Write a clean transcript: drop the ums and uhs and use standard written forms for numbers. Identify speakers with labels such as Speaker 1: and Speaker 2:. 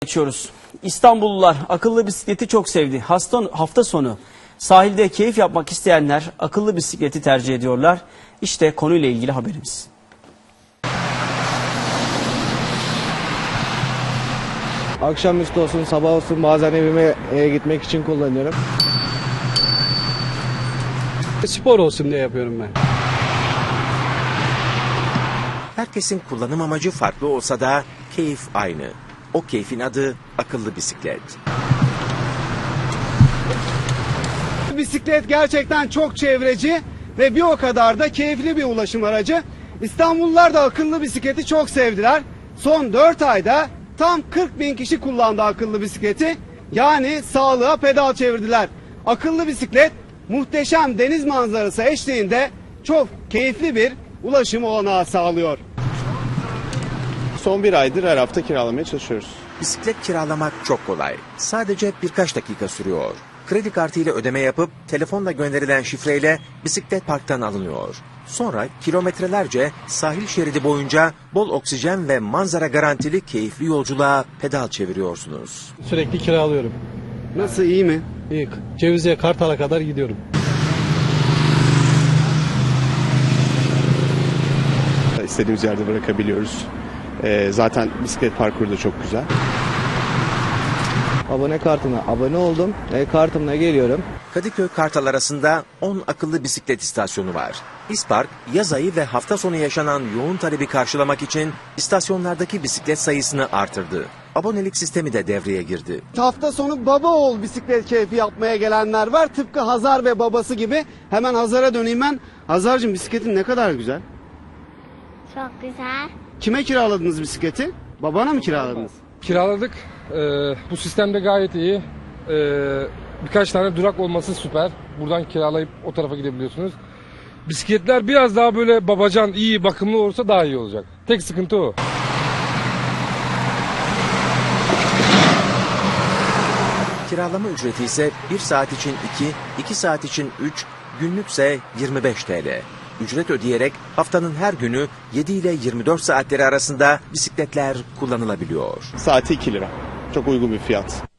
Speaker 1: Geçiyoruz. İstanbullular akıllı bisikleti çok sevdi. Hafta sonu sahilde keyif yapmak isteyenler akıllı bisikleti tercih ediyorlar. İşte konuyla ilgili haberimiz.
Speaker 2: Akşamüstü olsun, sabah olsun bazen evime gitmek için kullanıyorum.
Speaker 3: Spor olsun diye yapıyorum ben.
Speaker 4: Herkesin kullanım amacı farklı olsa da keyif aynı. O keyfin adı akıllı bisiklet.
Speaker 5: Bisiklet gerçekten çok çevreci ve bir o kadar da keyifli bir ulaşım aracı. İstanbullular da akıllı bisikleti çok sevdiler. Son 4 ayda tam 40 bin kişi kullandı akıllı bisikleti. Yani sağlığa pedal çevirdiler. Akıllı bisiklet muhteşem deniz manzarası eşliğinde çok keyifli bir ulaşım olanağı sağlıyor.
Speaker 6: Son bir aydır her hafta kiralamaya çalışıyoruz.
Speaker 4: Bisiklet kiralamak çok kolay. Sadece birkaç dakika sürüyor. Kredi kartıyla ödeme yapıp telefonla gönderilen şifreyle bisiklet parktan alınıyor. Sonra kilometrelerce sahil şeridi boyunca bol oksijen ve manzara garantili keyifli yolculuğa pedal çeviriyorsunuz.
Speaker 3: Sürekli kiralıyorum.
Speaker 5: Nasıl, iyi mi?
Speaker 3: İyi. Cevizli'ye, Kartal'a kadar gidiyorum.
Speaker 6: İstediğimiz yerde bırakabiliyoruz. Zaten bisiklet parkuru da çok güzel.
Speaker 2: Abone kartına abone oldum. Kartımla geliyorum.
Speaker 4: Kadıköy Kartal arasında 10 akıllı bisiklet istasyonu var. İspark, yaz ayı ve hafta sonu yaşanan yoğun talebi karşılamak için istasyonlardaki bisiklet sayısını artırdı. Abonelik sistemi de devreye girdi.
Speaker 5: Hafta sonu baba oğul bisiklet keyfi yapmaya gelenler var. Tıpkı Hazar ve babası gibi. Hemen Hazar'a döneyim ben. Hazar'cığım, bisikletin ne kadar güzel.
Speaker 7: Çok güzel.
Speaker 5: Kime kiraladınız bisikleti? Babana mı kiraladınız?
Speaker 8: Kiraladık. Bu sistemde gayet iyi. Birkaç tane durak olması süper. Buradan kiralayıp o tarafa gidebiliyorsunuz. Bisikletler biraz daha böyle babacan, iyi, bakımlı olursa daha iyi olacak. Tek sıkıntı o.
Speaker 4: Kiralama ücreti ise 1 saat için 2 saat için 3, günlükse 25 TL. Ücret ödeyerek haftanın her günü 7 ile 24 saatleri arasında bisikletler kullanılabiliyor.
Speaker 6: Saati 2 lira. Çok uygun bir fiyat.